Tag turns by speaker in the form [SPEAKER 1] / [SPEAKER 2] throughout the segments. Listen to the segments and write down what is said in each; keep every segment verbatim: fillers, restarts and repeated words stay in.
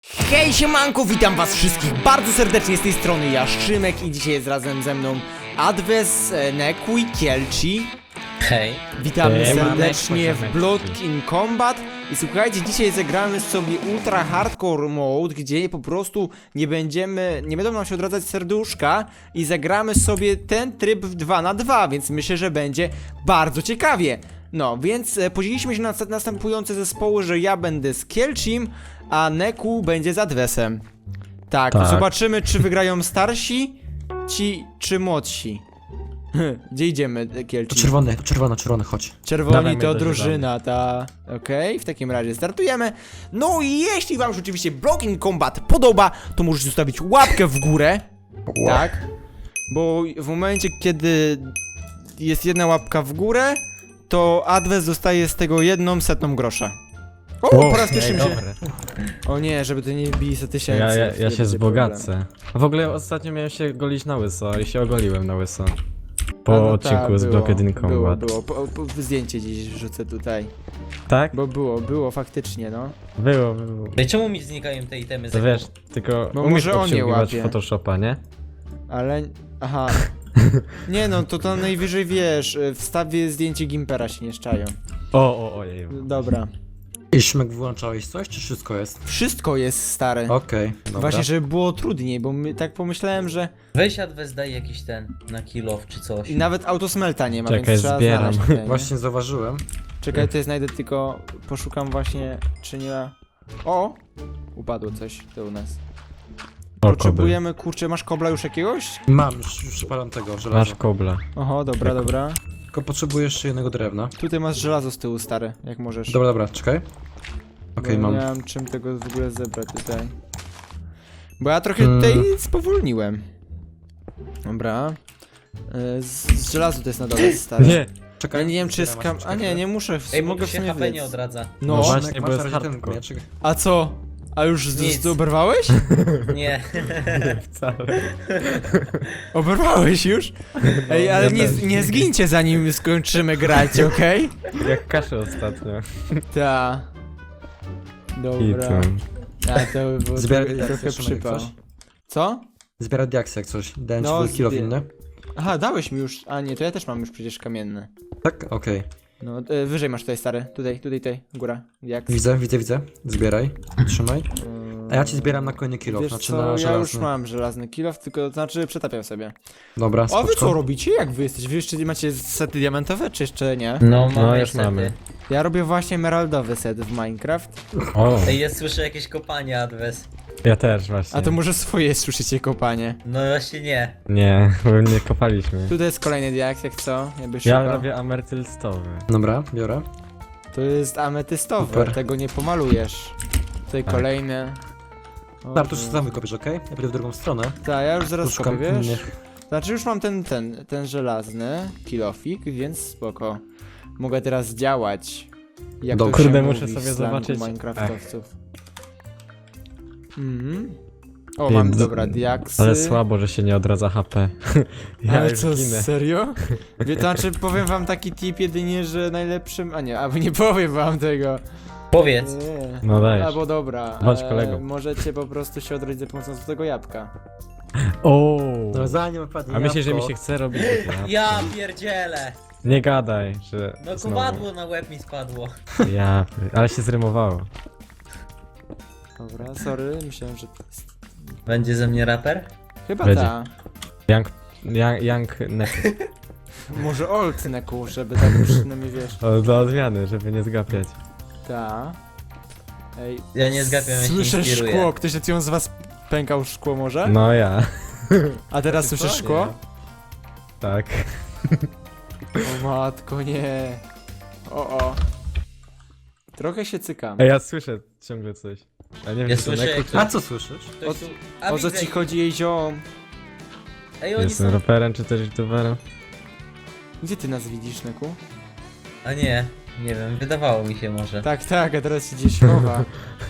[SPEAKER 1] Hej siemanko, witam was wszystkich bardzo serdecznie z tej strony ja, Szymek, i dzisiaj jest razem ze mną Adwes, Neku i Kielci.
[SPEAKER 2] Hej.
[SPEAKER 1] Witamy
[SPEAKER 3] Hej,
[SPEAKER 1] serdecznie
[SPEAKER 3] mamy,
[SPEAKER 1] w Blood in Combat. I słuchajcie, dzisiaj zagramy sobie ultra hardcore mode, gdzie po prostu nie będziemy, nie będą nam się odradzać serduszka i zagramy sobie ten tryb w dwa na dwa, więc myślę, że będzie bardzo ciekawie. No, więc e, podzieliliśmy się na następujące zespoły, że ja będę z Kielcim, a Neku będzie z Adwesem. Tak,
[SPEAKER 3] Tak.
[SPEAKER 1] zobaczymy, czy wygrają starsi, ci, czy młodsi. Gdzie idziemy,
[SPEAKER 4] To
[SPEAKER 1] Kielci?
[SPEAKER 4] czerwony, to czerwony, czerwony, chodź.
[SPEAKER 1] Czerwoni
[SPEAKER 3] Dawaj, my
[SPEAKER 1] to
[SPEAKER 3] dożywamy.
[SPEAKER 1] drużyna, ta... Okej, w takim razie startujemy. No i jeśli wam się oczywiście Blood in Combat podoba, to możecie zostawić łapkę w górę. Tak? Bo w momencie, kiedy jest jedna łapka w górę, to Adwes dostaje z tego jedną setną grosza. O, po raz pierwszy mi się...
[SPEAKER 3] Dobre.
[SPEAKER 1] O nie, żeby to nie bili sto tysięcy.
[SPEAKER 3] Ja, ja, ja
[SPEAKER 1] wtedy
[SPEAKER 3] się
[SPEAKER 1] będzie
[SPEAKER 3] wzbogacę. A w ogóle ostatnio miałem się golić na łyso i się ogoliłem na łyso. Po
[SPEAKER 1] problem. A no
[SPEAKER 3] odcinku
[SPEAKER 1] tak,
[SPEAKER 3] z
[SPEAKER 1] było,
[SPEAKER 3] Blocked in
[SPEAKER 1] Było,
[SPEAKER 3] Combat.
[SPEAKER 1] było. Po, po, zdjęcie dziś wrzucę tutaj.
[SPEAKER 3] Tak?
[SPEAKER 1] Bo było, było faktycznie, no.
[SPEAKER 3] Było, było.
[SPEAKER 2] Ej, czemu mi znikają te itemy?
[SPEAKER 3] To wiesz, tylko
[SPEAKER 1] Bo
[SPEAKER 3] umiesz
[SPEAKER 1] może on nie
[SPEAKER 3] obsługiwać
[SPEAKER 1] łapie.
[SPEAKER 3] Photoshopa, nie?
[SPEAKER 1] Ale... Aha. Nie no, to to najwyżej wiesz, y, wstawię zdjęcie Gimpera, się nie szczają.
[SPEAKER 3] O, o, ojej.
[SPEAKER 1] Dobra.
[SPEAKER 4] I Szymek, wyłączałeś coś, czy wszystko jest?
[SPEAKER 1] Wszystko jest stare.
[SPEAKER 4] Okej, dobra.
[SPEAKER 1] Właśnie, żeby było trudniej, bo my, tak pomyślałem, że...
[SPEAKER 2] Weź Adwes, daj jakiś ten na kill off czy coś.
[SPEAKER 1] I nawet autosmelta nie ma,
[SPEAKER 3] Czekaj,
[SPEAKER 1] więc trzeba
[SPEAKER 3] zbieram.
[SPEAKER 1] znaleźć tutaj, nie?
[SPEAKER 4] Właśnie zauważyłem.
[SPEAKER 1] Czekaj, to jest znajdę tylko... Poszukam właśnie, czy nie ma... O! Upadło coś tu u nas.
[SPEAKER 3] O, kobel.
[SPEAKER 1] Potrzebujemy, kurczę, masz kobla już jakiegoś?
[SPEAKER 4] Mam, już, już przypalam tego, żelaza.
[SPEAKER 3] Masz kobla.
[SPEAKER 1] Oho, dobra,
[SPEAKER 3] Jako-
[SPEAKER 1] dobra.
[SPEAKER 4] Tylko potrzebuję jeszcze jednego drewna.
[SPEAKER 1] Tutaj masz żelazo z tyłu, stare, jak możesz.
[SPEAKER 4] Dobra, dobra, czekaj. Okej,
[SPEAKER 1] Bo
[SPEAKER 4] mam.
[SPEAKER 1] Nie mam czym tego w ogóle zebrać tutaj. Bo ja trochę
[SPEAKER 4] Hmm.
[SPEAKER 1] tutaj spowolniłem. Dobra. Y, Z, z żelazu to jest na dole, stary.
[SPEAKER 3] Nie!
[SPEAKER 1] Ja
[SPEAKER 4] Czekaj.
[SPEAKER 1] nie wiem czy jest
[SPEAKER 4] zbieram
[SPEAKER 1] kam...
[SPEAKER 4] aż
[SPEAKER 1] A nie, nie muszę, w-
[SPEAKER 2] Ej, bo
[SPEAKER 1] mogę
[SPEAKER 2] tu
[SPEAKER 1] w
[SPEAKER 2] się
[SPEAKER 1] sumie
[SPEAKER 2] H P nie
[SPEAKER 1] wyc.
[SPEAKER 2] odradza.
[SPEAKER 1] No,
[SPEAKER 3] No
[SPEAKER 4] Szymek,
[SPEAKER 3] właśnie,
[SPEAKER 4] masz
[SPEAKER 3] bo jest
[SPEAKER 4] na razie ten
[SPEAKER 3] hardcore.
[SPEAKER 4] mieczek.
[SPEAKER 1] a co? A już z,
[SPEAKER 2] Nic.
[SPEAKER 1] z, oberwałeś?
[SPEAKER 2] Nie.
[SPEAKER 3] Wcale.
[SPEAKER 1] Oberwałeś już? Ej, ale
[SPEAKER 3] ja
[SPEAKER 1] nie,
[SPEAKER 3] też.
[SPEAKER 1] nie zgincie zanim skończymy grać, okej?
[SPEAKER 3] Jak kaszę ostatnio.
[SPEAKER 1] Ta.
[SPEAKER 3] I
[SPEAKER 1] Dobra.
[SPEAKER 3] tam.
[SPEAKER 1] A to by było
[SPEAKER 4] Zbieraj
[SPEAKER 1] trochę,
[SPEAKER 4] diaksy,
[SPEAKER 1] trochę
[SPEAKER 4] Szymek,
[SPEAKER 1] przypał.
[SPEAKER 4] coś?
[SPEAKER 1] Co?
[SPEAKER 4] Zbierać diaksy jak coś. Dałem
[SPEAKER 1] No,
[SPEAKER 4] ci no, kilo
[SPEAKER 1] zbie-
[SPEAKER 4] inny.
[SPEAKER 1] Aha, dałeś mi już. A nie, to ja też mam już przecież kamienne.
[SPEAKER 4] Tak? Okej.
[SPEAKER 1] No, e, wyżej masz tutaj, stary. Tutaj, tutaj, tutaj. Góra. Jak?
[SPEAKER 4] Widzę, widzę, widzę. Zbieraj. Trzymaj.
[SPEAKER 1] Eee,
[SPEAKER 4] A ja ci zbieram na kolejny kilo,
[SPEAKER 1] Wiesz
[SPEAKER 4] znaczy
[SPEAKER 1] co,
[SPEAKER 4] na
[SPEAKER 1] ja
[SPEAKER 4] żelazny.
[SPEAKER 1] już mam żelazny kilof, tylko to znaczy przetapiam sobie.
[SPEAKER 4] Dobra,
[SPEAKER 1] A wy
[SPEAKER 4] spoczko.
[SPEAKER 1] co robicie? Jak wy jesteście? Wy jeszcze macie sety diamentowe, czy jeszcze nie?
[SPEAKER 2] No, mamy
[SPEAKER 3] No, już
[SPEAKER 2] niestety.
[SPEAKER 3] mamy.
[SPEAKER 1] Ja robię właśnie emeraldowy set w Minecraft.
[SPEAKER 3] O,
[SPEAKER 2] Ej, ja słyszę jakieś kopanie Adwes.
[SPEAKER 3] ja też właśnie.
[SPEAKER 1] A to może swoje słyszycie kopanie.
[SPEAKER 2] No właśnie nie.
[SPEAKER 3] Nie, bo nie kopaliśmy.
[SPEAKER 1] Tutaj jest kolejny diaks, jak co? Jakbyś
[SPEAKER 3] Ja
[SPEAKER 1] szukał.
[SPEAKER 3] robię ametylstowy.
[SPEAKER 4] Dobra, biorę.
[SPEAKER 1] To jest ametystowe,
[SPEAKER 4] Super.
[SPEAKER 1] tego nie pomalujesz. Tutaj
[SPEAKER 3] Tak.
[SPEAKER 1] kolejny. O,
[SPEAKER 4] Dobra, to już sam wykopiesz, okej? Ja pójdę w drugą stronę.
[SPEAKER 1] Tak, ja już zaraz
[SPEAKER 4] Poszukam
[SPEAKER 1] kopię, wiesz?
[SPEAKER 4] innych.
[SPEAKER 1] Znaczy już mam ten, ten, ten żelazny kilofik, więc spoko. Mogę teraz działać. Jak
[SPEAKER 4] Dobra.
[SPEAKER 1] to się
[SPEAKER 3] Kurde,
[SPEAKER 1] mówi
[SPEAKER 3] muszę
[SPEAKER 1] w
[SPEAKER 3] sobie
[SPEAKER 1] slangu
[SPEAKER 3] zobaczyć.
[SPEAKER 1] Minecraftowców. Mhm. O, mam,
[SPEAKER 3] Więc-
[SPEAKER 1] dobra, diaksy.
[SPEAKER 3] Ale słabo, że się nie odradza H P. Ja
[SPEAKER 1] Ale
[SPEAKER 3] już
[SPEAKER 1] co,
[SPEAKER 3] ginę.
[SPEAKER 1] serio? Wie, to znaczy, powiem wam taki tip jedynie, że najlepszym... A nie, albo nie powiem wam tego.
[SPEAKER 2] Powiedz.
[SPEAKER 1] Nie.
[SPEAKER 3] No dajesz.
[SPEAKER 1] Albo dobra,
[SPEAKER 3] Bądź kolegą.
[SPEAKER 1] możecie po prostu się odrodzić za pomocą tego jabłka.
[SPEAKER 3] O.
[SPEAKER 4] No zanim opadnie
[SPEAKER 3] A myślisz, że mi
[SPEAKER 4] jabłko.
[SPEAKER 3] się chce robić?
[SPEAKER 2] Ja pierdzielę.
[SPEAKER 3] Nie gadaj, że.
[SPEAKER 2] No
[SPEAKER 3] znowu.
[SPEAKER 2] kowadło na łeb mi spadło.
[SPEAKER 3] Ja, ale się zrymowało.
[SPEAKER 1] Dobra, sorry, myślałem, że to jest...
[SPEAKER 2] Będzie ze mnie raper?
[SPEAKER 1] Chyba
[SPEAKER 3] Będzie.
[SPEAKER 1] ta.
[SPEAKER 3] Young, young, young neck.
[SPEAKER 1] Może old neku, żeby tak przynajmniej wiesz.
[SPEAKER 3] O, dla odmiany, żeby nie zgapiać.
[SPEAKER 1] Ta. Ej.
[SPEAKER 2] Ja nie zgapiam, ja się
[SPEAKER 1] Słyszę
[SPEAKER 2] inspiruję.
[SPEAKER 1] szkło, ktoś z was pękał szkło może?
[SPEAKER 3] No ja.
[SPEAKER 1] A teraz
[SPEAKER 4] Ty
[SPEAKER 1] słyszysz
[SPEAKER 4] co?
[SPEAKER 1] szkło?
[SPEAKER 3] Tak.
[SPEAKER 1] O matko, nie. O o. Trochę się cykam.
[SPEAKER 3] Ej, ja słyszę ciągle coś. A nie wiem,
[SPEAKER 2] Ja
[SPEAKER 3] czy to
[SPEAKER 2] słyszę,
[SPEAKER 3] neku,
[SPEAKER 2] jak
[SPEAKER 3] czy...
[SPEAKER 4] A co słyszysz?
[SPEAKER 2] Ktoś
[SPEAKER 1] O-
[SPEAKER 2] tu... A,
[SPEAKER 1] O co
[SPEAKER 2] widzę
[SPEAKER 1] ci
[SPEAKER 2] ich.
[SPEAKER 1] chodzi, jej ziom?
[SPEAKER 2] Ej, oni
[SPEAKER 3] Jestem
[SPEAKER 2] są...
[SPEAKER 3] raperem, czy też youtuberem?
[SPEAKER 1] Gdzie ty nas widzisz, Neku?
[SPEAKER 2] A nie, nie wiem, wydawało mi się może.
[SPEAKER 1] Tak, tak, a teraz się gdzieś chowa.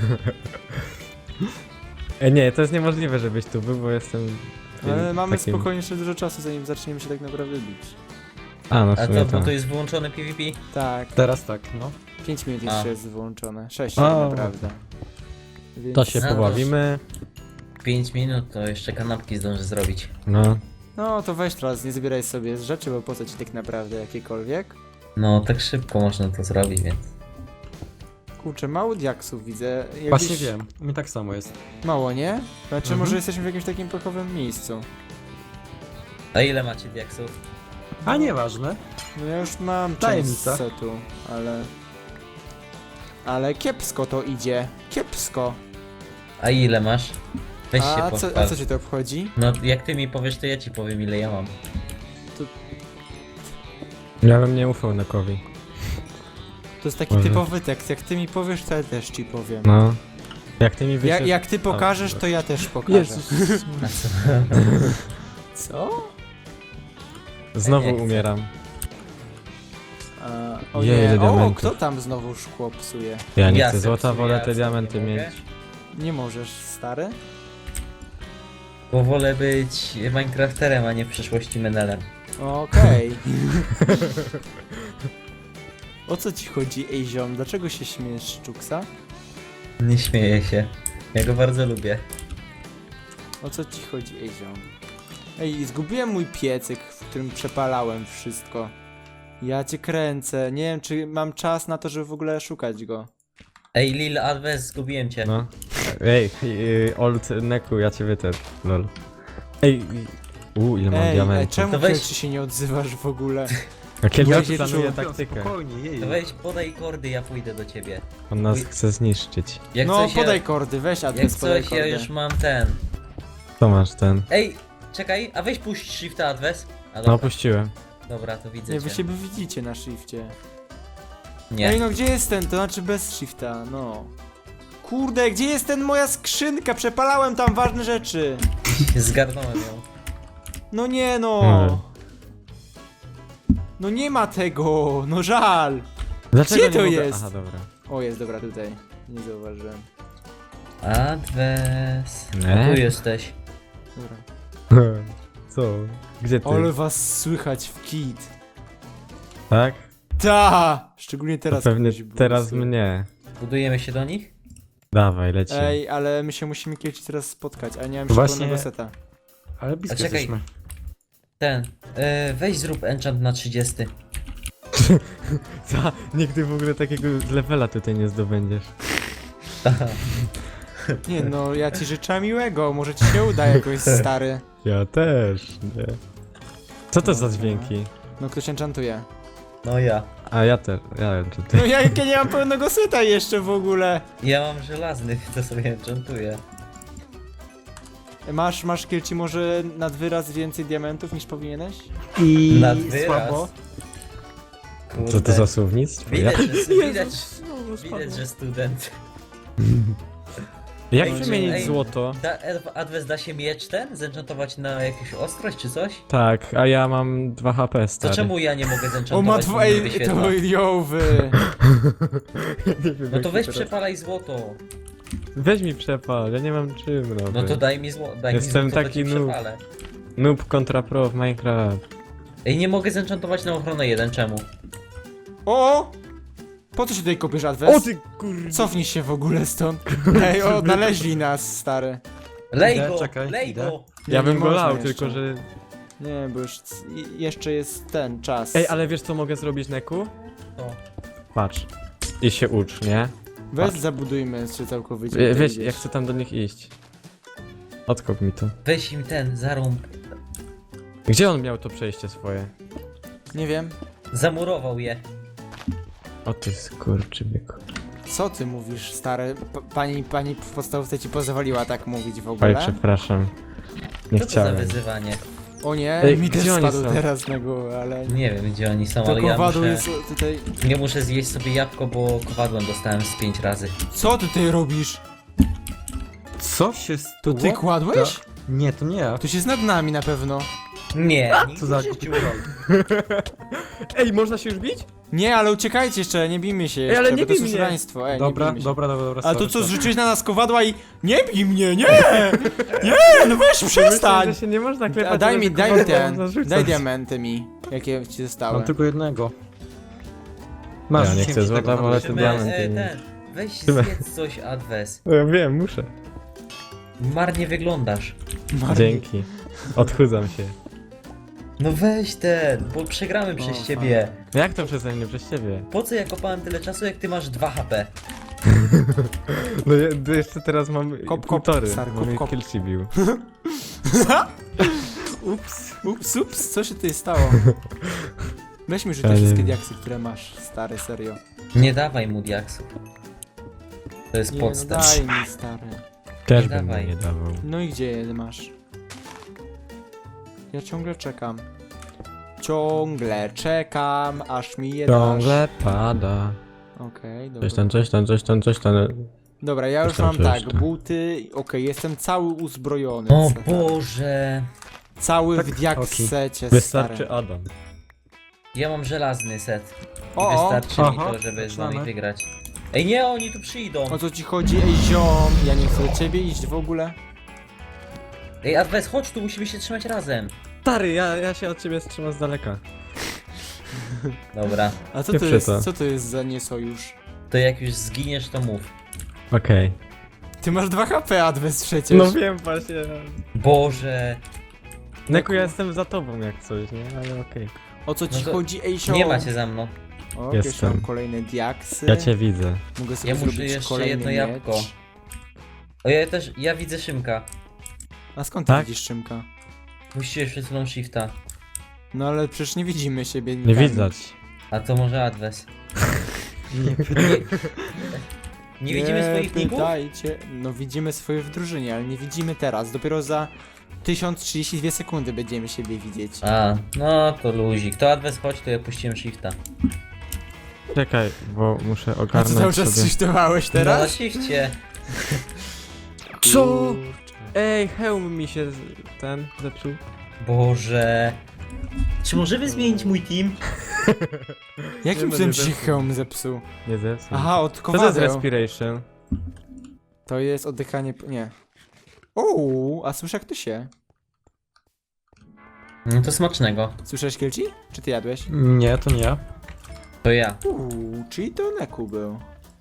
[SPEAKER 3] Ej, nie, to jest niemożliwe, żebyś tu był, bo jestem...
[SPEAKER 1] Ale mamy
[SPEAKER 3] takim-
[SPEAKER 1] spokojnie jeszcze dużo czasu, zanim zaczniemy się tak naprawdę bić.
[SPEAKER 3] A, no w
[SPEAKER 2] A
[SPEAKER 3] sumie
[SPEAKER 2] co, bo
[SPEAKER 3] tak.
[SPEAKER 2] to jest wyłączony PvP?
[SPEAKER 1] Tak,
[SPEAKER 4] Teraz tak, no.
[SPEAKER 1] pięć minut
[SPEAKER 2] A.
[SPEAKER 1] jeszcze jest wyłączone. sześć
[SPEAKER 3] O.
[SPEAKER 1] naprawdę. Więc...
[SPEAKER 3] To się
[SPEAKER 2] No,
[SPEAKER 3] pobawimy.
[SPEAKER 2] pięć minut to jeszcze kanapki zdążę zrobić.
[SPEAKER 3] No.
[SPEAKER 1] No to weź teraz, nie zbieraj sobie z rzeczy, bo po co ci tak naprawdę jakiekolwiek?
[SPEAKER 2] No tak szybko można to zrobić, więc...
[SPEAKER 1] Kurczę, mało diaksów widzę. Jakbyś...
[SPEAKER 4] Właśnie wiem, u mnie tak samo jest.
[SPEAKER 1] Mało, nie? Znaczy
[SPEAKER 4] Mhm.
[SPEAKER 1] może jesteśmy w jakimś takim pekowym miejscu.
[SPEAKER 2] A ile macie diaksów?
[SPEAKER 4] A nieważne.
[SPEAKER 1] No ja już mam część
[SPEAKER 4] Tajemnica.
[SPEAKER 1] setu, ale... Ale kiepsko to idzie. Kiepsko.
[SPEAKER 2] A ile masz? Weź się
[SPEAKER 1] A co,
[SPEAKER 2] pochwal.
[SPEAKER 1] a co cię to obchodzi?
[SPEAKER 2] No jak ty mi powiesz, to ja ci powiem ile ja mam.
[SPEAKER 3] Ja bym nie ufał Nekowi.
[SPEAKER 1] To jest taki
[SPEAKER 3] Może.
[SPEAKER 1] typowy tekst. Jak ty mi powiesz, to ja też ci powiem.
[SPEAKER 3] No. Jak ty mi
[SPEAKER 1] Ja,
[SPEAKER 3] wyślesz...
[SPEAKER 1] jak ty pokażesz, to ja też pokażę.
[SPEAKER 3] Jezus.
[SPEAKER 2] A co?
[SPEAKER 1] Co?
[SPEAKER 3] Znowu
[SPEAKER 2] Nie chcę.
[SPEAKER 3] umieram.
[SPEAKER 1] A, o
[SPEAKER 3] Jej, ile
[SPEAKER 1] nie, o,
[SPEAKER 3] diamentów.
[SPEAKER 1] kto tam znowu szkło psuje?
[SPEAKER 3] Ja nie
[SPEAKER 2] Ja
[SPEAKER 3] chcę
[SPEAKER 2] se
[SPEAKER 3] złota,
[SPEAKER 2] psuję,
[SPEAKER 3] wolę
[SPEAKER 2] a
[SPEAKER 3] te
[SPEAKER 2] co,
[SPEAKER 3] diamenty
[SPEAKER 2] nie
[SPEAKER 3] mieć.
[SPEAKER 2] mogę?
[SPEAKER 1] Nie możesz, stary?
[SPEAKER 2] Bo wolę być Minecrafterem, a nie w przyszłości menelem.
[SPEAKER 1] Okej. O co ci chodzi, ej ziom? Dlaczego się śmiejesz z Czuksa?
[SPEAKER 2] Nie śmieję się. Ja go bardzo lubię.
[SPEAKER 1] O co ci chodzi, ej ziom? Ej, zgubiłem mój piecyk, w którym przepalałem wszystko. Ja cię kręcę. Nie wiem, czy mam czas na to, żeby w ogóle szukać go.
[SPEAKER 2] Ej, Lil Adves, zgubiłem cię.
[SPEAKER 3] No. Ej, y, old Neku, ja cię wytę. Lol. Ej, u ile mam
[SPEAKER 1] Ej, ej
[SPEAKER 3] diamentów.
[SPEAKER 1] czemu
[SPEAKER 2] To weź-
[SPEAKER 1] Kielczy się nie odzywasz w ogóle?
[SPEAKER 3] A kiedy
[SPEAKER 1] Ja
[SPEAKER 3] ja
[SPEAKER 1] się
[SPEAKER 3] planuje
[SPEAKER 1] czuł-
[SPEAKER 3] taktykę?
[SPEAKER 4] Spokojnie, jej.
[SPEAKER 2] To weź, podaj kordy, ja pójdę do ciebie.
[SPEAKER 3] On nas
[SPEAKER 2] Uj.
[SPEAKER 3] chce zniszczyć.
[SPEAKER 2] Jak
[SPEAKER 1] No,
[SPEAKER 2] coś
[SPEAKER 1] podaj
[SPEAKER 2] ja,
[SPEAKER 1] kordy, weź
[SPEAKER 2] Jak
[SPEAKER 1] adres, podaj
[SPEAKER 2] coś ja
[SPEAKER 1] kordy.
[SPEAKER 2] już mam ten.
[SPEAKER 3] Co masz ten?
[SPEAKER 2] Ej, czekaj, a weź puść shifta Adves. A
[SPEAKER 3] No
[SPEAKER 2] dobra,
[SPEAKER 3] opuściłem.
[SPEAKER 2] dobra, to widzę
[SPEAKER 1] Nie, wy
[SPEAKER 2] cię.
[SPEAKER 1] siebie widzicie na shifcie.
[SPEAKER 2] Nie.
[SPEAKER 1] Ej, no gdzie jest ten? To znaczy bez shifta, no. Kurde, gdzie jest ten moja skrzynka? Przepalałem tam ważne rzeczy.
[SPEAKER 2] Zgarnąłem ją.
[SPEAKER 1] No nie no.
[SPEAKER 3] Hmm.
[SPEAKER 1] No nie ma tego, no żal.
[SPEAKER 3] Dlaczego
[SPEAKER 1] Gdzie to
[SPEAKER 3] nie mogę...
[SPEAKER 1] jest?
[SPEAKER 3] Aha, dobra.
[SPEAKER 1] O, jest, dobra, tutaj. Nie zauważyłem.
[SPEAKER 2] Adves.
[SPEAKER 3] Nie?
[SPEAKER 2] A tu jesteś.
[SPEAKER 1] Dobra.
[SPEAKER 3] Co? Gdzie ty?
[SPEAKER 1] Ale was słychać w kit.
[SPEAKER 3] Tak?
[SPEAKER 1] Ta! Szczególnie teraz.
[SPEAKER 3] To pewnie
[SPEAKER 1] ktoś był
[SPEAKER 3] teraz
[SPEAKER 1] słychać.
[SPEAKER 3] mnie.
[SPEAKER 2] Budujemy się do nich?
[SPEAKER 3] Dawaj, lecimy.
[SPEAKER 1] Ej, ale my się musimy kiedyś teraz spotkać, a nie mam
[SPEAKER 4] Właśnie-
[SPEAKER 1] pełnego seta.
[SPEAKER 4] Ale blisko
[SPEAKER 2] A czekaj.
[SPEAKER 4] jesteśmy.
[SPEAKER 2] Ten. E, weź zrób enchant na trzydzieści.
[SPEAKER 3] Co? Nigdy w ogóle takiego levela tutaj nie zdobędziesz.
[SPEAKER 1] Nie no, ja ci życzę miłego, może ci się uda jakoś, stary.
[SPEAKER 3] Ja też, nie. Co to za dźwięki?
[SPEAKER 1] No ktoś enchantuje.
[SPEAKER 2] No ja.
[SPEAKER 3] A ja też, ja czy ty?
[SPEAKER 1] No ja, ja nie mam pełnego seta jeszcze w ogóle.
[SPEAKER 2] Ja mam żelazny, to sobie enchantuję.
[SPEAKER 1] Masz, masz Kielci może nad wyraz więcej diamentów niż powinieneś?
[SPEAKER 4] I
[SPEAKER 2] Nad wyraz.
[SPEAKER 4] słabo.
[SPEAKER 2] Kurde.
[SPEAKER 3] Co to za słownictwo? Ja...
[SPEAKER 2] Widać, że, widać, widać, że student.
[SPEAKER 3] Jak
[SPEAKER 2] Ej,
[SPEAKER 3] wymienić
[SPEAKER 2] ej.
[SPEAKER 3] złoto?
[SPEAKER 2] Da, Adves, da się miecz ten? Zenchantować na jakąś ostrość czy coś?
[SPEAKER 3] Tak, a ja mam dwa H P
[SPEAKER 2] To
[SPEAKER 3] stary.
[SPEAKER 2] czemu ja nie mogę zenchantować?
[SPEAKER 1] O ma
[SPEAKER 2] bo mi
[SPEAKER 1] dwa,
[SPEAKER 2] nie
[SPEAKER 1] ej,
[SPEAKER 2] wyświetla?
[SPEAKER 1] to jowy.
[SPEAKER 2] No to weź przepalaj złoto.
[SPEAKER 3] Weź mi przepal, ja nie mam czym robić.
[SPEAKER 2] No to daj mi złoto, daj
[SPEAKER 3] Jestem
[SPEAKER 2] mi złoto,
[SPEAKER 3] taki
[SPEAKER 2] to ci
[SPEAKER 3] noob.
[SPEAKER 2] przepalę.
[SPEAKER 3] Noob kontra pro w Minecraft.
[SPEAKER 2] Ej, nie mogę zenchantować na ochronę jeden, czemu?
[SPEAKER 1] O! Po co się tutaj kopiesz, Adwes?
[SPEAKER 3] ty kurde.
[SPEAKER 1] Cofnij się w ogóle stąd. Ej, odnaleźli nas, stary.
[SPEAKER 2] Lej
[SPEAKER 4] Idę,
[SPEAKER 2] go,
[SPEAKER 4] czekaj,
[SPEAKER 2] lej
[SPEAKER 4] idę.
[SPEAKER 2] go!
[SPEAKER 1] Nie,
[SPEAKER 3] Ja
[SPEAKER 1] nie
[SPEAKER 3] bym go
[SPEAKER 1] można
[SPEAKER 3] lał,
[SPEAKER 1] jeszcze.
[SPEAKER 3] tylko że...
[SPEAKER 1] Nie, bo już c- i- jeszcze jest ten czas.
[SPEAKER 3] Ej, ale wiesz co mogę zrobić, Neku?
[SPEAKER 2] To.
[SPEAKER 3] Patrz. I się ucz, nie?
[SPEAKER 1] Weź
[SPEAKER 3] patrz.
[SPEAKER 1] zabudujmy się całkowicie.
[SPEAKER 3] Wie,
[SPEAKER 1] tutaj
[SPEAKER 3] weź,
[SPEAKER 1] gdzieś.
[SPEAKER 3] ja chcę tam do nich iść. Odkop mi to.
[SPEAKER 2] Weź im ten, zarąb.
[SPEAKER 3] Gdzie on miał to przejście swoje?
[SPEAKER 1] Nie wiem.
[SPEAKER 2] Zamurował je.
[SPEAKER 3] O ty skurczybyku.
[SPEAKER 1] Co ty mówisz, stary? P pani, pani w podstawówce ci pozwoliła tak mówić w
[SPEAKER 3] Oj,
[SPEAKER 1] ogóle?
[SPEAKER 3] przepraszam. Nie
[SPEAKER 2] Co to za
[SPEAKER 3] chciałem.
[SPEAKER 2] wyzywanie?
[SPEAKER 1] O nie,
[SPEAKER 3] Ej,
[SPEAKER 1] mi też
[SPEAKER 3] gdzie oni
[SPEAKER 1] spadł
[SPEAKER 3] są?
[SPEAKER 1] teraz na głowę, ale...
[SPEAKER 2] Nie wiem gdzie oni są,
[SPEAKER 1] To
[SPEAKER 2] ale ja
[SPEAKER 1] kowadło
[SPEAKER 2] muszę,
[SPEAKER 1] jest tutaj...
[SPEAKER 2] nie muszę zjeść sobie jabłko, bo kowadłem dostałem z pięć razy.
[SPEAKER 1] Co ty tutaj robisz?
[SPEAKER 4] Co się
[SPEAKER 1] To
[SPEAKER 4] stało?
[SPEAKER 1] ty kładłeś?
[SPEAKER 4] Nie, to nie ja.
[SPEAKER 1] To się jest nad nami na pewno.
[SPEAKER 2] Nie,
[SPEAKER 4] Co
[SPEAKER 2] nigdy
[SPEAKER 4] za
[SPEAKER 2] w życiu.
[SPEAKER 3] Ej, można się już bić?
[SPEAKER 1] Nie, ale uciekajcie jeszcze, nie bijmy się jeszcze,
[SPEAKER 3] ale nie
[SPEAKER 1] bo to jest
[SPEAKER 3] bij mnie.
[SPEAKER 1] szaleństwo. Ej,
[SPEAKER 4] Dobra,
[SPEAKER 1] nie bijmy się.
[SPEAKER 4] dobra, dobra, dobra.
[SPEAKER 1] A to
[SPEAKER 4] sorry,
[SPEAKER 1] co,
[SPEAKER 4] sorry.
[SPEAKER 1] zrzuciłeś na nas kowadła i... Nie bij mnie, nie! Nie, no weź
[SPEAKER 3] Myślałem,
[SPEAKER 1] przestań!
[SPEAKER 3] że się nie można
[SPEAKER 1] A
[SPEAKER 3] klepać,
[SPEAKER 1] daj
[SPEAKER 3] ale
[SPEAKER 1] mi,
[SPEAKER 3] tylko
[SPEAKER 1] daj mi
[SPEAKER 3] można
[SPEAKER 1] ten,
[SPEAKER 3] rzucać.
[SPEAKER 1] daj diamenty mi, jakie ci zostały.
[SPEAKER 4] Mam tylko jednego. Masz,
[SPEAKER 3] Ja nie
[SPEAKER 4] rzuciłem
[SPEAKER 3] chcę
[SPEAKER 4] ci
[SPEAKER 3] złota,
[SPEAKER 4] tego,
[SPEAKER 3] wolę
[SPEAKER 4] no.
[SPEAKER 3] te
[SPEAKER 2] Musimy,
[SPEAKER 3] diamenty
[SPEAKER 2] e,
[SPEAKER 3] mieć.
[SPEAKER 2] ten, Weź zjedz coś, Adwes.
[SPEAKER 3] No ja wiem, muszę.
[SPEAKER 2] Marnie wyglądasz.
[SPEAKER 1] Marnie.
[SPEAKER 3] Dzięki. Odchudzam się.
[SPEAKER 2] No weź ten, bo przegramy przez
[SPEAKER 1] O,
[SPEAKER 2] ciebie.
[SPEAKER 3] Jak to przeze mnie, przez ciebie?
[SPEAKER 2] Po co ja kopałem tyle czasu, jak ty masz dwa H P?
[SPEAKER 3] No ja, to jeszcze teraz mam
[SPEAKER 1] Kop, kop,
[SPEAKER 3] półtory,
[SPEAKER 1] stary,
[SPEAKER 3] bo
[SPEAKER 1] kop,
[SPEAKER 3] mnie
[SPEAKER 1] kop.
[SPEAKER 3] Kilci bił.
[SPEAKER 1] Ups, ups, ups, co się tutaj stało? Weź mi rzuć te
[SPEAKER 3] Ja nie
[SPEAKER 1] wszystkie
[SPEAKER 3] wiem.
[SPEAKER 1] diaksy, które masz, stary, serio.
[SPEAKER 2] Nie dawaj mu diaksów. To jest
[SPEAKER 1] Nie, no
[SPEAKER 2] podstaw.
[SPEAKER 1] daj mi, stary.
[SPEAKER 3] Też
[SPEAKER 2] Nie
[SPEAKER 3] bym mu
[SPEAKER 2] dawaj.
[SPEAKER 3] nie dawał.
[SPEAKER 1] No i gdzie je masz? Ja ciągle czekam. Ciągle czekam, aż mi je dasz.
[SPEAKER 3] Ciągle pada.
[SPEAKER 1] Okej,
[SPEAKER 3] Coś
[SPEAKER 1] dobra.
[SPEAKER 3] tam, coś tam, coś tam, coś tam.
[SPEAKER 1] Dobra, ja już
[SPEAKER 3] Coś tam,
[SPEAKER 1] mam
[SPEAKER 3] coś
[SPEAKER 1] tak,
[SPEAKER 3] tam.
[SPEAKER 1] buty, okej, jestem cały uzbrojony.
[SPEAKER 2] O
[SPEAKER 1] co tak.
[SPEAKER 2] Boże.
[SPEAKER 1] Cały
[SPEAKER 3] Tak,
[SPEAKER 1] w diaksecie,
[SPEAKER 3] Wystarczy
[SPEAKER 1] stary.
[SPEAKER 3] Adam.
[SPEAKER 2] Ja mam żelazny set.
[SPEAKER 1] O, o,
[SPEAKER 2] Wystarczy mi
[SPEAKER 4] Aha,
[SPEAKER 2] to, żeby z nami
[SPEAKER 4] zaczynamy.
[SPEAKER 2] wygrać. Ej nie, oni tu przyjdą.
[SPEAKER 1] o co ci chodzi? Ej, ziom, ja nie chcę do ciebie iść w ogóle.
[SPEAKER 2] Ej, Adwes, chodź tu, musimy się trzymać razem.
[SPEAKER 3] Stary, ja, ja się od ciebie trzymam z daleka.
[SPEAKER 2] Dobra,
[SPEAKER 1] A co to
[SPEAKER 3] Pieprze
[SPEAKER 1] jest,
[SPEAKER 3] to.
[SPEAKER 1] co to jest za niesojusz?
[SPEAKER 2] to jak już zginiesz, to mów.
[SPEAKER 3] Okej.
[SPEAKER 1] Ty masz dwa H P, Adwes, przecież.
[SPEAKER 3] No wiem właśnie.
[SPEAKER 2] Boże.
[SPEAKER 3] Neku, ja jestem za tobą jak coś, nie? Ale okej.
[SPEAKER 1] O co ci
[SPEAKER 2] No to
[SPEAKER 1] chodzi, ej, ziom?
[SPEAKER 2] Nie macie za mną.
[SPEAKER 1] O, jeszcze
[SPEAKER 3] Jestem.
[SPEAKER 1] mam kolejne diaksy.
[SPEAKER 3] Ja cię widzę.
[SPEAKER 1] Mogę sobie
[SPEAKER 2] Ja muszę
[SPEAKER 1] zrobić
[SPEAKER 2] jeszcze
[SPEAKER 1] kolejny
[SPEAKER 2] jedno
[SPEAKER 1] miecz.
[SPEAKER 2] jabłko. O, ja też, ja widzę Szymka.
[SPEAKER 1] A skąd ty
[SPEAKER 3] Tak?
[SPEAKER 1] widzisz Szymka?
[SPEAKER 2] Musisz przed chwilą shifta.
[SPEAKER 1] No ale przecież nie widzimy siebie
[SPEAKER 3] Nie
[SPEAKER 1] nikami.
[SPEAKER 3] widać.
[SPEAKER 2] A to może Adwes.
[SPEAKER 3] Nie
[SPEAKER 2] Nie widzimy swoich ników?
[SPEAKER 1] pytajcie. No widzimy swoje w drużynie, ale nie widzimy teraz. Dopiero za tysiąc trzydzieści dwie sekundy będziemy siebie widzieć.
[SPEAKER 2] A, no to luzik. To Adwes, chodź, to ja puściłem shifta.
[SPEAKER 3] Czekaj, bo muszę
[SPEAKER 1] A co
[SPEAKER 3] ogarnąć
[SPEAKER 1] cały czas
[SPEAKER 3] sobie...
[SPEAKER 1] shiftowałeś
[SPEAKER 2] No na
[SPEAKER 1] teraz?
[SPEAKER 2] shifcie.
[SPEAKER 3] Co?
[SPEAKER 1] Kurczę.
[SPEAKER 3] Ej, hełm mi się z- ten zepsuł.
[SPEAKER 2] Boże. Czy możemy zmienić mój team?
[SPEAKER 1] Jakim
[SPEAKER 3] Nie, no
[SPEAKER 1] cudem
[SPEAKER 3] nie
[SPEAKER 1] ci się
[SPEAKER 3] zepsuł.
[SPEAKER 1] hełm zepsuł?
[SPEAKER 3] Nie zepsuł.
[SPEAKER 1] Aha, od
[SPEAKER 3] Co to jest
[SPEAKER 1] kowadeł.
[SPEAKER 3] respiration?
[SPEAKER 1] To jest oddychanie... nie. Uuu, a słyszę jak to się.
[SPEAKER 2] No to smacznego.
[SPEAKER 1] Słyszałeś Kielci? Czy ty jadłeś?
[SPEAKER 4] Nie, to nie ja.
[SPEAKER 2] To ja.
[SPEAKER 1] Uuu, czyli to Neku był.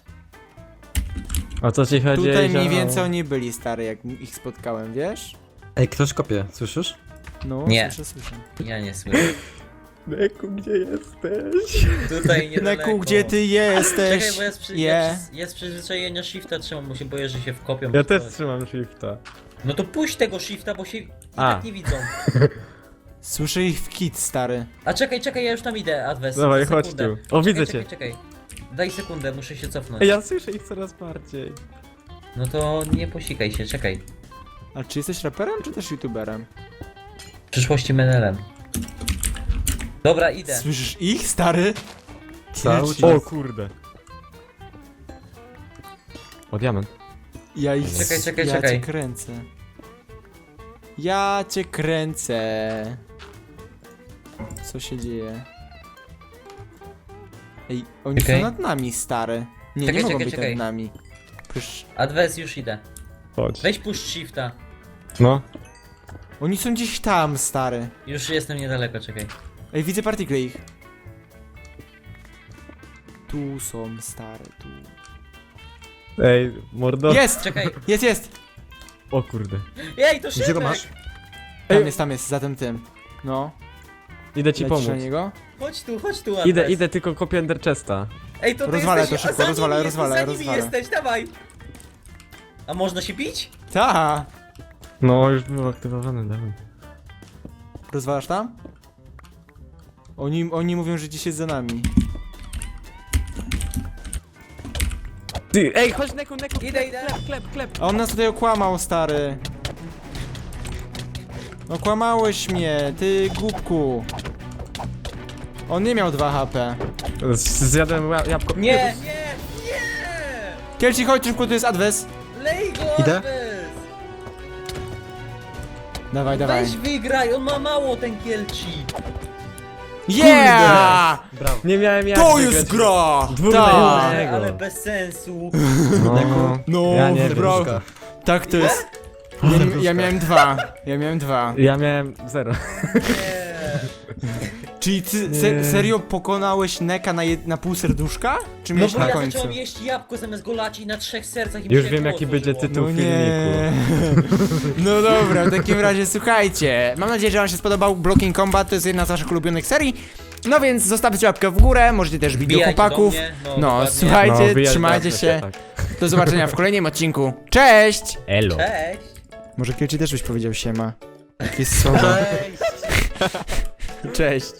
[SPEAKER 3] O co ci chodzi?
[SPEAKER 1] Tutaj mniej
[SPEAKER 3] Ejzio?
[SPEAKER 1] więcej oni byli stary, jak ich spotkałem, wiesz?
[SPEAKER 4] Ej, ktoś kopie, słyszysz?
[SPEAKER 1] No,
[SPEAKER 2] Nie.
[SPEAKER 1] słyszę, słyszę.
[SPEAKER 2] Ja nie słyszę.
[SPEAKER 3] Neku, gdzie jesteś?
[SPEAKER 2] Tutaj niedaleko.
[SPEAKER 1] Neku, gdzie ty jesteś?
[SPEAKER 2] Czekaj, bo ja z, przy...
[SPEAKER 1] Je.
[SPEAKER 2] ja, z- ja z przyzwyczajenia shifta trzymam, bo się boję, że się wkopią.
[SPEAKER 3] Ja
[SPEAKER 2] w
[SPEAKER 3] też
[SPEAKER 2] coś.
[SPEAKER 3] trzymam shifta.
[SPEAKER 2] No to puść tego shifta, bo się i
[SPEAKER 3] A.
[SPEAKER 2] tak nie widzą.
[SPEAKER 1] Słyszę ich w kit, stary.
[SPEAKER 2] A czekaj, czekaj, ja już tam idę, Adwes.
[SPEAKER 3] Dawaj,
[SPEAKER 2] Za
[SPEAKER 3] chodź
[SPEAKER 2] sekundę.
[SPEAKER 3] tu. O, widzę
[SPEAKER 2] czekaj,
[SPEAKER 3] cię.
[SPEAKER 2] Czekaj, czekaj. Daj sekundę, muszę się cofnąć.
[SPEAKER 3] Ej, ja słyszę ich coraz bardziej.
[SPEAKER 2] No to nie posikaj się, czekaj.
[SPEAKER 1] A czy jesteś raperem, czy też youtuberem?
[SPEAKER 2] W przyszłości menelem. Dobra, idę.
[SPEAKER 1] Słyszysz ich, stary?
[SPEAKER 4] Cały
[SPEAKER 1] Kielci.
[SPEAKER 4] czas.
[SPEAKER 3] O kurde. O, diament.
[SPEAKER 1] Ja ich...
[SPEAKER 2] Czekaj, czekaj,
[SPEAKER 1] ja
[SPEAKER 2] czekaj.
[SPEAKER 1] cię kręcę. Ja cię kręcę. Co się dzieje? Ej, oni
[SPEAKER 2] Czekaj.
[SPEAKER 1] są nad nami, stary. Nie,
[SPEAKER 2] Czekaj,
[SPEAKER 1] nie mogą
[SPEAKER 2] czekaj,
[SPEAKER 1] być
[SPEAKER 2] czekaj.
[SPEAKER 1] nad nami. Przecież
[SPEAKER 2] Adwes, już idę.
[SPEAKER 3] Chodź.
[SPEAKER 2] Weź puść shifta.
[SPEAKER 3] No.
[SPEAKER 1] oni są gdzieś tam, stary.
[SPEAKER 2] Już jestem niedaleko, czekaj.
[SPEAKER 1] Ej, widzę partikle ich. Tu są, stary, tu.
[SPEAKER 3] Ej, mordo.
[SPEAKER 1] Jest!
[SPEAKER 2] Czekaj.
[SPEAKER 1] Jest, jest!
[SPEAKER 3] O kurde.
[SPEAKER 2] Ej, to Szymek!
[SPEAKER 4] Gdzie to masz?
[SPEAKER 1] Tam
[SPEAKER 3] Ej.
[SPEAKER 1] jest, tam jest, za tym tym. No,
[SPEAKER 3] Idę ci
[SPEAKER 1] lecisz
[SPEAKER 3] pomóc.
[SPEAKER 1] na niego?
[SPEAKER 2] Chodź tu, chodź tu, Adwes.
[SPEAKER 3] Idę, idę, tylko kopię Ender Chesta.
[SPEAKER 2] Ej, to ty
[SPEAKER 1] Rozwalę
[SPEAKER 2] jesteś...
[SPEAKER 1] to szybko,
[SPEAKER 2] a za
[SPEAKER 1] rozwalę,
[SPEAKER 2] nimi
[SPEAKER 1] rozwalę,
[SPEAKER 2] jesteś, za nimi
[SPEAKER 1] rozwalę.
[SPEAKER 2] jesteś, dawaj! A można się bić?
[SPEAKER 1] Ta!
[SPEAKER 3] No, już był aktywowany, dawaj.
[SPEAKER 1] Rozwalasz tam? Oni, oni mówią, że gdzieś jest za nami.
[SPEAKER 3] Ty, ej, chodź Neku, Neku,
[SPEAKER 2] Idę, idę.
[SPEAKER 3] klep, klep, klep.
[SPEAKER 1] A on nas tutaj okłamał, stary. Okłamałeś mnie, ty głupku. On nie miał dwa H P.
[SPEAKER 3] Z- Zjadłem ła- jabłko.
[SPEAKER 2] Nie, nie, nie!
[SPEAKER 1] Kielci, chodź szybko, tu jest adwes.
[SPEAKER 2] Lej go,
[SPEAKER 4] Idę?
[SPEAKER 2] Adwes!
[SPEAKER 1] Dawaj, dawaj.
[SPEAKER 2] Weź wygraj, on ma mało ten Kielci.
[SPEAKER 1] Yeah!
[SPEAKER 4] Brawo.
[SPEAKER 3] Nie miałem jak
[SPEAKER 1] To
[SPEAKER 3] wygrać.
[SPEAKER 1] jest gra!
[SPEAKER 3] Dwóch
[SPEAKER 1] Tak!
[SPEAKER 3] na
[SPEAKER 2] Ale,
[SPEAKER 3] jednego.
[SPEAKER 2] ale bez sensu.
[SPEAKER 3] No,
[SPEAKER 1] No,
[SPEAKER 3] ja nie wiem.
[SPEAKER 1] bro. Tak to jest. Ja, ja miałem dwa. Ja miałem dwa.
[SPEAKER 3] Ja miałem zero.
[SPEAKER 2] Nie.
[SPEAKER 1] Czyli ty se serio pokonałeś Neka na, jed- na pół serduszka? Czy
[SPEAKER 2] No
[SPEAKER 1] miałeś
[SPEAKER 2] bo
[SPEAKER 1] na
[SPEAKER 2] ja
[SPEAKER 1] końcu?
[SPEAKER 2] zacząłem jeść jabłko zamiast go lacić na trzech sercach i mi
[SPEAKER 3] Już
[SPEAKER 2] się
[SPEAKER 3] wiem
[SPEAKER 2] koło
[SPEAKER 3] jaki będzie
[SPEAKER 2] otworzyło.
[SPEAKER 3] tytuł
[SPEAKER 1] No
[SPEAKER 3] filmiku.
[SPEAKER 1] nie. No dobra, w takim razie słuchajcie. Mam nadzieję, że wam się spodobał Blocking Combat, to jest jedna z waszych ulubionych serii. No więc zostawcie łapkę w górę, możecie też bić do
[SPEAKER 2] Wbijajcie do
[SPEAKER 1] chłopaków.
[SPEAKER 2] mnie, no,
[SPEAKER 1] No,
[SPEAKER 2] dokładnie.
[SPEAKER 1] słuchajcie,
[SPEAKER 3] No, wyjazd
[SPEAKER 1] trzymajcie
[SPEAKER 3] zacznę
[SPEAKER 1] się.
[SPEAKER 3] tak.
[SPEAKER 1] Do zobaczenia w kolejnym odcinku. Cześć!
[SPEAKER 3] Elo.
[SPEAKER 2] Cześć!
[SPEAKER 1] Może Kielci też byś powiedział siema. Jakieś słowa.
[SPEAKER 2] Cześć!
[SPEAKER 1] Cześć.